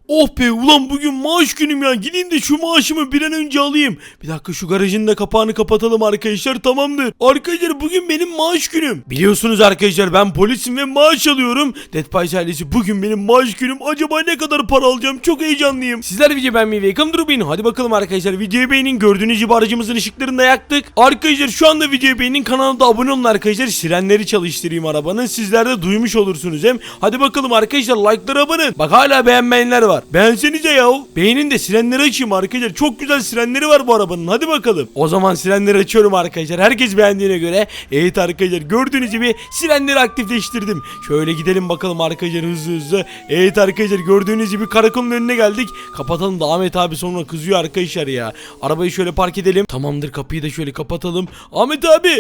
Oh be ulan bugün maaş günüm ya. Gideyim de şu maaşımı bir an önce alayım. Bir dakika şu garajın da kapağını kapatalım arkadaşlar, tamamdır. Arkadaşlar bugün benim maaş günüm. Biliyorsunuz arkadaşlar ben polisim ve maaş alıyorum. Dead Pies ailesi bugün benim maaş günüm. Acaba ne kadar para alacağım? Çok heyecanlıyım. Sizler video beğenmeyi ve yakın durmayın. Hadi bakalım arkadaşlar videoyu beğenin. Gördüğünüz gibi aracımızın ışıklarını da yaktık. Arkadaşlar şu anda videoyu beğenin. Kanala da abone olun arkadaşlar. Sirenleri çalıştırayım arabanın. Sizler de duymuş olursunuz hem. Hadi bakalım arkadaşlar like'lara abone. Bak hala beğenmeyenler var. Beğensenize ya. Beğenin de sirenleri açayım arkadaşlar. Çok güzel sirenleri var bu arabanın. Hadi bakalım. O zaman sirenleri açıyorum arkadaşlar. Herkes beğendiğine göre. Evet arkadaşlar gördüğünüz gibi sirenleri aktifleştirdim. Şöyle gidelim bakalım arkadaşlar hızlı hızlı. Evet arkadaşlar gördüğünüz gibi karakolun önüne geldik. Kapatalım da Ahmet abi sonra kızıyor arkadaşlar ya. Arabayı şöyle park edelim. Tamamdır, kapıyı da şöyle kapatalım. Ahmet abi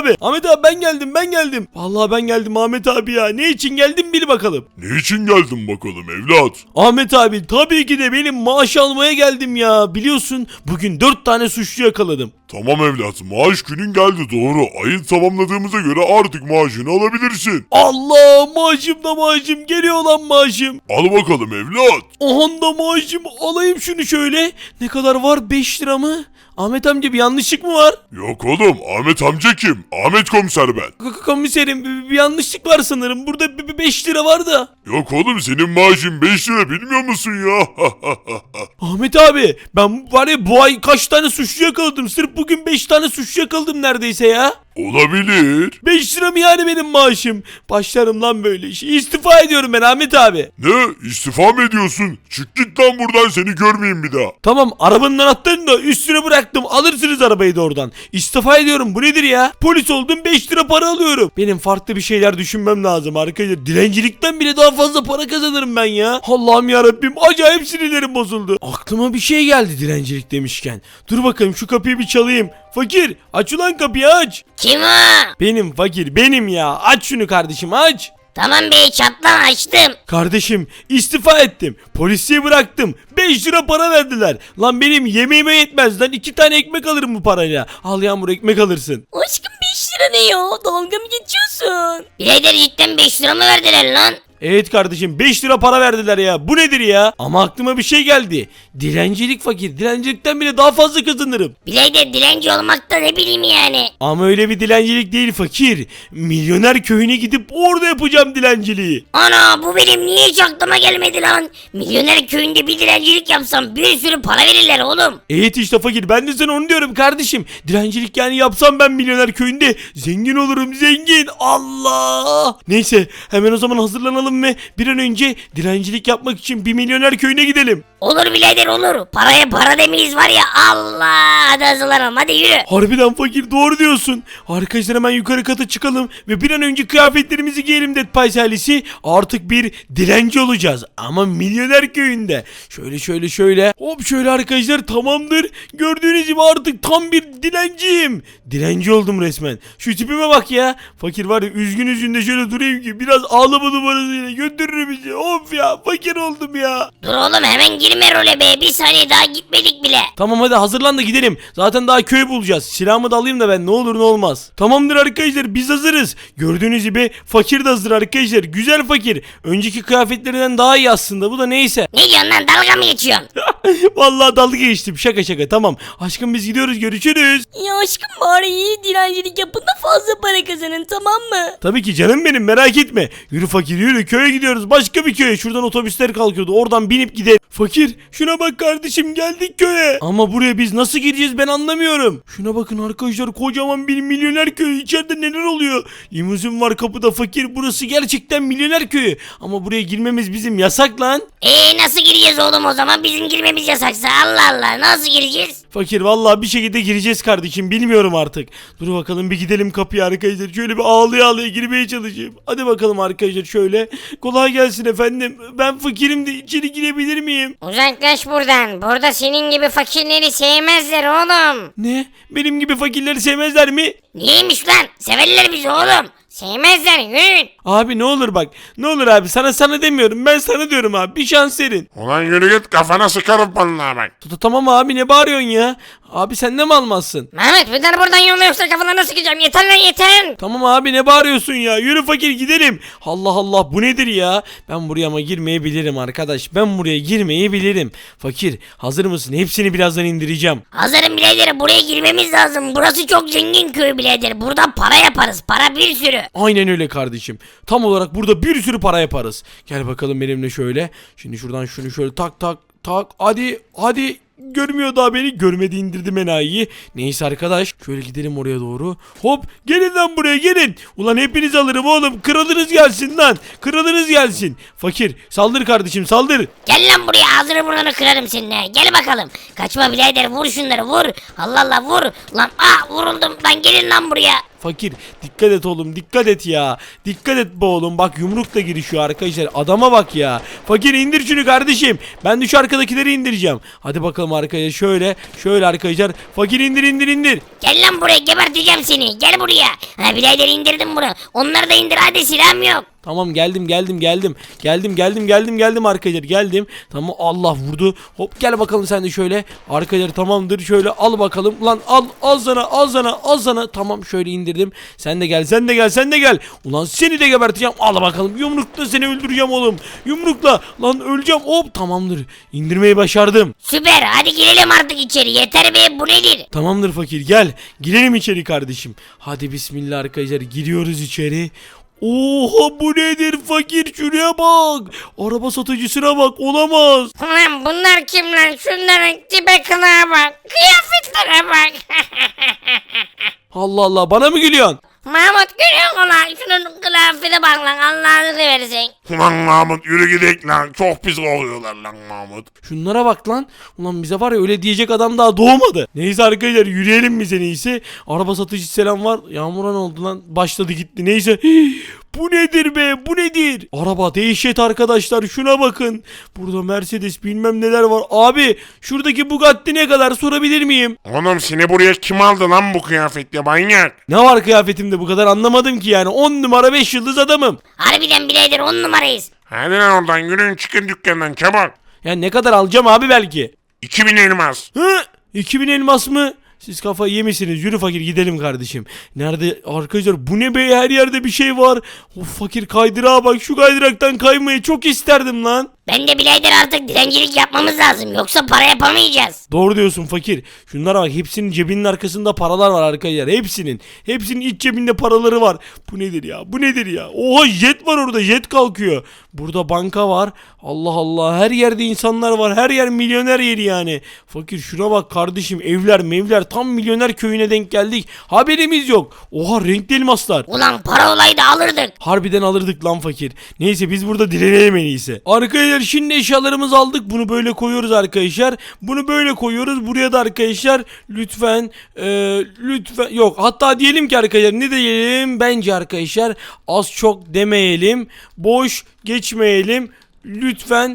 ben geldim. Vallahi ben geldim Ahmet abi ya. Ne için geldim bil bakalım. Ne için geldin bakalım evlat? Ahmet abi tabii ki de benim maaş almaya geldim ya. Biliyorsun bugün 4 tane suçlu yakaladım. Tamam evlat, maaş günün geldi doğru. Ayın tamamladığımıza göre artık maaşını alabilirsin. Allah, maaşım geliyor lan maaşım. Al bakalım evlat. Aha da maaşım, alayım şunu şöyle. Ne kadar var, 5 lira mı? Ahmet amca bir yanlışlık mı var? Yok oğlum, Ahmet amca kim? Ahmet komiser ben. Komiserim bir yanlışlık var sanırım. Burada 5 lira var da. Yok oğlum, senin maaşın 5 lira bilmiyor musun ya? Ahmet abi ben var ya bu ay kaç tane suçlu yakaladım. Sırf bugün 5 tane suçlu yakaladım neredeyse ya. Olabilir. 5 lira mı yani benim maaşım? Başlarım lan böyle işi. İstifa ediyorum ben Ahmet abi. Ne? İstifa mı ediyorsun? Çık git lan buradan, seni görmeyeyim bir daha. Tamam, arabanın anahtarını da üstüne bıraktım. Alırsınız arabayı da oradan. İstifa ediyorum. Bu nedir ya? Polis oldum, 5 lira para alıyorum. Benim farklı bir şeyler düşünmem lazım arkadaşlar. Dilencilikten bile daha fazla para kazanırım ben ya. Allah'ım yarabbim, acayip sinirlerim bozuldu. Aklıma bir şey geldi dilencilik demişken. Dur bakalım şu kapıyı bir çalayım. Fakir, aç ulan kapıyı, aç. Kim o? Benim fakir, benim ya. Aç şunu kardeşim, aç. Tamam bey, çatlan, açtım. Kardeşim istifa ettim. Polisiye bıraktım. 5 lira para verdiler. Lan benim yemeğime yetmez lan. 2 tane ekmek alırım bu parayla. Al Yağmur, ekmek alırsın. Aşkım 5 lira ne ya? Dalga mı geçiyorsun? Birader cidden 5 lira mı verdiler lan? Evet kardeşim, 5 lira para verdiler ya. Bu nedir ya? Ama aklıma bir şey geldi. Dilencilik fakir. Dilencilikten bile daha fazla kazanırım. Birader dilenci olmak da ne bileyim yani. Ama öyle bir dilencilik değil fakir. Milyoner köyüne gidip orada yapacağım dilenciliği. Ana, bu benim niye hiç aklıma gelmedi lan? Milyoner köyünde bir dilencilik yapsam bir sürü para verirler oğlum. Evet işte fakir, ben de sana onu diyorum kardeşim. Dilencilik yani yapsam ben milyoner köyünde zengin olurum, zengin. Allah. Neyse hemen o zaman hazırlanalım ve bir an önce dilencilik yapmak için bir milyoner köyüne gidelim. Olur birader olur. Paraya para demeyiz var ya, Allah. Hadi hazırlanalım, hadi yürü. Harbiden fakir, doğru diyorsun. Arkadaşlar hemen yukarı kata çıkalım ve bir an önce kıyafetlerimizi giyelim Dead Pies ailesi. Artık bir dilenci olacağız ama milyoner köyünde. Şöyle hop şöyle arkadaşlar, tamamdır. Gördüğünüz gibi artık tam bir dilenciyim. Dilenci oldum resmen. Şu tipime bak ya. Fakir var ya, üzgün de şöyle durayım ki biraz ağlama numarasıyla götürür bizi. Of ya, fakir oldum ya. Dur oğlum, hemen girme role be. Bir saniye daha gitmedik bile. Tamam hadi hazırlan da gidelim. Zaten daha köy bulacağız. Silahımı da alayım da ben, ne olur ne olmaz. Tamamdır arkadaşlar, biz hazırız. Gördüğünüz gibi fakir de hazır arkadaşlar. Güzel fakir. Önceki kıyafetlerinden daha iyi aslında, bu da neyse. Ne diyorsun lan, dalga mı geçiyorsun? Vallahi dalga geçtim, şaka tamam. Aşkım biz gidiyoruz, görüşürüz. Ya aşkım bari iyi dilencilik yapın da fazla para kazanın, tamam mı? Tabii ki canım benim, merak etme. Yürü fakir yürü, köye gidiyoruz, başka bir köye. Şuradan otobüsler kalkıyordu, oradan binip gidelim. Fakir şuna bak kardeşim, geldik köye. Ama buraya biz nasıl gireceğiz ben anlamıyorum. Şuna bakın arkadaşlar, kocaman bir milyoner köyü. İçeride neler oluyor? Limuzin var kapıda fakir, burası gerçekten milyoner köyü. Ama buraya girmemiz bizim yasak lan. Nasıl gireceğiz oğlum o zaman? Bizim girmemiz yasaksa, Allah Allah, nasıl gireceğiz? Fakir vallahi bir şekilde gireceğiz kardeşim, bilmiyorum artık. Dur bakalım bir gidelim kapıya arkadaşlar. Şöyle bir ağlaya girmeye çalışayım. Hadi bakalım arkadaşlar şöyle. Kolay gelsin efendim. Ben fakirim de içeri girebilir miyim? Uzaklaş buradan. Burada senin gibi fakirleri sevmezler oğlum. Ne? Benim gibi fakirleri sevmezler mi? Niyeymiş lan? Severler bizi oğlum. Sevmezler, yürüyün. Abi ne olur bak. Ne olur abi, sana demiyorum. Ben sana diyorum abi. Bir şans verin. Ulan yürü git, kafana sıkarım vallahi bak. Tamam abi, ne bağırıyorsun ya? Abi sen de mi almazsın? Mehmet bunları buradan yolla yoksa kafalarına sıkacağım. Yeter lan yeter. Tamam abi ne bağırıyorsun ya? Yürü fakir gidelim. Allah Allah bu nedir ya? Ben buraya ama girmeyi bilirim arkadaş. Ben buraya girmeyi bilirim. Fakir hazır mısın? Hepsini birazdan indireceğim. Hazırım birader, buraya girmemiz lazım. Burası çok zengin köy birader. Burada para yaparız. Para bir sürü. Aynen öyle kardeşim. Tam olarak burada bir sürü para yaparız. Gel bakalım benimle şöyle. Şimdi şuradan şunu şöyle tak tak tak. Hadi. Görmüyor daha beni. Görmedi, indirdim enayiyi. Neyse arkadaş. Şöyle gidelim oraya doğru. Hop gelin lan buraya gelin. Ulan hepinizi alırım oğlum. Kralınız gelsin lan. Kralınız gelsin. Fakir saldır kardeşim saldır. Gel lan buraya, ağzını burnunu kırarım seninle. Gel bakalım. Kaçma birader, vur şunları vur. Allah Allah vur. Lan vuruldum. Lan gelin lan buraya. Fakir dikkat et oğlum, dikkat et ya. Dikkat et be oğlum, bak yumrukla girişiyor arkadaşlar. Adama bak ya. Fakir indir şunu kardeşim. Ben de şu arkadakileri indireceğim. Hadi bakalım arkadaşlar, şöyle arkadaşlar. Fakir indir. Gel lan buraya, geberteceğim seni. Gel buraya. Ha birader, indirdim bunu. Onları da indir hadi, silahım yok. Tamam geldim arkadaşlar, geldim. Tamam Allah vurdu. Hop gel bakalım sen de şöyle. Arkadaşlar tamamdır, şöyle al bakalım. Lan al sana. Tamam şöyle indirdim. Sen de gel. Ulan seni de geberteceğim. Al bakalım, yumrukla seni öldüreceğim oğlum. Yumrukla lan öleceğim. Hop tamamdır. İndirmeyi başardım. Süper, hadi girelim artık içeri. Yeter be, bu nedir? Tamamdır fakir, gel. Girelim içeri kardeşim. Hadi bismillah arkadaşlar, giriyoruz içeri. Oha bu nedir fakir, şuraya bak. Araba satıcısına bak, olamaz. Ulan bunlar kim lan? Şunların tipe kılığa bak. Kıyafetlere bak. Allah Allah, bana mı gülüyorsun? Mahmut görüyor musun lan? Şunun kıyafete bak lan, Allah'ını seversen. Ulan Mahmut yürü gidelim lan. Çok pis kokuyorlar lan Mahmut. Şunlara bak lan. Ulan bize var ya öyle diyecek adam daha doğmadı. Neyse arkadaşlar, yürüyelim biz en iyisi. Araba satıcı selam var. Yağmura ne oldu lan? Başladı gitti. Neyse. Bu nedir be? Bu nedir? Araba dehşet arkadaşlar. Şuna bakın. Burada Mercedes bilmem neler var. Abi şuradaki Bugatti ne kadar, sorabilir miyim? Oğlum seni buraya kim aldı lan bu kıyafetle manyak? Ne var kıyafetimde bu kadar, anlamadım ki yani. 10 numara 5 yıldız adamım. Harbiden birader 10 numarayız. Hadi lan oradan yürüyün, çıkın dükkandan çabuk. Ya ne kadar alacağım abi belki? 2000 elmas. Hı? 2000 elmas mı? Siz kafayı yemişsiniz. Yürü fakir gidelim kardeşim. Nerede arkadaşlar, bu ne be, her yerde bir şey var. Of fakir, kaydırağa bak, şu kaydıraktan kaymayı çok isterdim lan. Ben de birader artık dilencilik yapmamız lazım. Yoksa para yapamayacağız. Doğru diyorsun fakir. Şunlara bak, hepsinin cebinin arkasında paralar var arkadaşlar. Hepsinin iç cebinde paraları var. Bu nedir ya? Oha jet var orada, jet kalkıyor. Burada banka var. Allah Allah, her yerde insanlar var. Her yer milyoner yeri yani. Fakir şuna bak kardeşim, evler mevler, tam milyoner köyüne denk geldik. Haberimiz yok. Oha renkli elmaslar. Ulan para olaydı alırdık. Harbiden alırdık lan fakir. Neyse biz burada dilenelim en iyisi. Arkadaşlar şimdi eşyalarımızı aldık. Bunu böyle koyuyoruz arkadaşlar. Bunu böyle koyuyoruz. Buraya da arkadaşlar lütfen yok. Hatta diyelim ki arkadaşlar, ne diyelim? Bence arkadaşlar az çok demeyelim. Boş geçmeyelim. Lütfen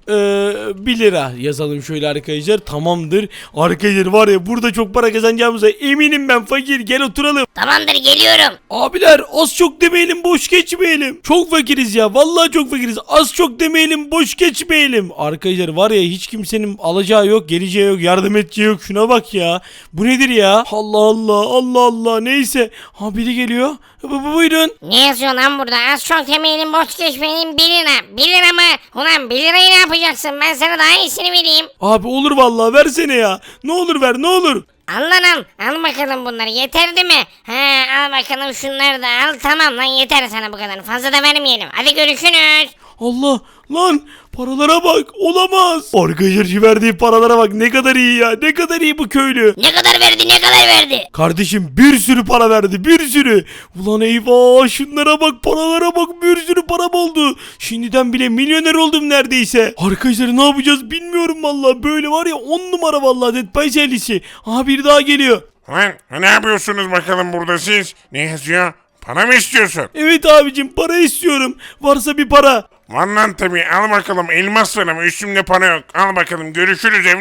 1 lira yazalım şöyle arkadaşlar. Tamamdır. Arkadaşlar var ya, burada çok para kazanacağımıza eminim ben fakir. Gel oturalım. Tamamdır, geliyorum. Abiler az çok demeyelim, boş geçmeyelim. Çok fakiriz ya, vallahi çok fakiriz. Az çok demeyelim, boş geçmeyelim. Arkadaşlar var ya, hiç kimsenin alacağı yok, geleceği yok, yardım edeceği yok. Şuna bak ya. Bu nedir ya? Allah. Neyse. Ha biri geliyor. Buyurun. Ne yazıyor lan burada? Az çok demeyelim, boş geçmeyelim, 1 lira. 1 lira mı? Ulan 1 lirayı ne yapacaksın? Ben sana daha iyisini vereyim. Abi olur vallahi, versene ya. Ne olur ver, ne olur. Al lan al. Al bakalım bunları. Yeter değil mi? Al bakalım şunları da al. Tamam lan, yeter sana bu kadar. Fazla da vermeyelim. Hadi görüşürüz. Allah lan, paralara bak, olamaz. Arkadaşlar şu verdiği paralara bak, ne kadar iyi ya, ne kadar iyi bu köylü. Ne kadar verdi? Kardeşim bir sürü para verdi, bir sürü. Ulan eyvah, şunlara bak, paralara bak, bir sürü param oldu. Şimdiden bile milyoner oldum neredeyse. Arkadaşlar ne yapacağız bilmiyorum vallahi, böyle var ya 10 numara vallahi Dead by Serisi. Aha bir daha geliyor. Lan ne yapıyorsunuz bakalım burada siz? Ne yazıyor? Para mı istiyorsun? Evet abicim, para istiyorum. Varsa bir para. Var lan tabii, al bakalım elmas var ama üstümde para yok. Al bakalım, görüşürüz evlat.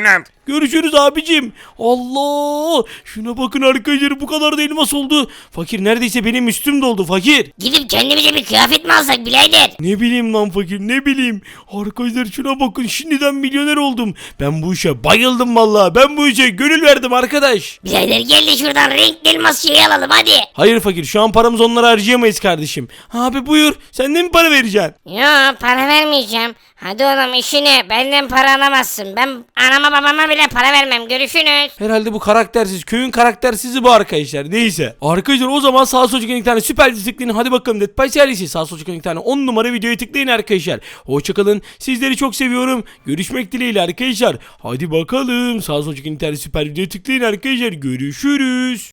Görüşürüz abicim. Allah. Şuna bakın arkadaşlar, bu kadar da elmas oldu. Fakir neredeyse benim üstüm doldu fakir. Gidip kendimize bir kıyafet mi alsak birader? Ne bileyim lan fakir, ne bileyim. Arkadaşlar şuna bakın, şimdiden milyoner oldum. Ben bu işe bayıldım vallahi. Ben bu işe gönül verdim arkadaş. Birader gel de şuradan renkli elmas şeyi alalım hadi. Hayır fakir, şu an paramızı onlara harcayamayız kardeşim. Abi buyur, sen de mi para vereceksin? Yo para vermeyeceğim. Hadi oğlum işine, benden para alamazsın. Ben anama babama bile para vermem. Görüşürüz. Herhalde bu karaktersiz, köyün karaktersizi bu arkadaşlar. Neyse. Arkadaşlar o zaman sağ sol çıkan iki tane süper dizi tıklayın. Hadi bakalım Dead by serisi. Sağ sol çıkan iki tane 10 numara videoyu tıklayın arkadaşlar. Hoşçakalın. Sizleri çok seviyorum. Görüşmek dileğiyle arkadaşlar. Hadi bakalım. Sağ sol çıkan iki tane süper videoyu tıklayın arkadaşlar. Görüşürüz.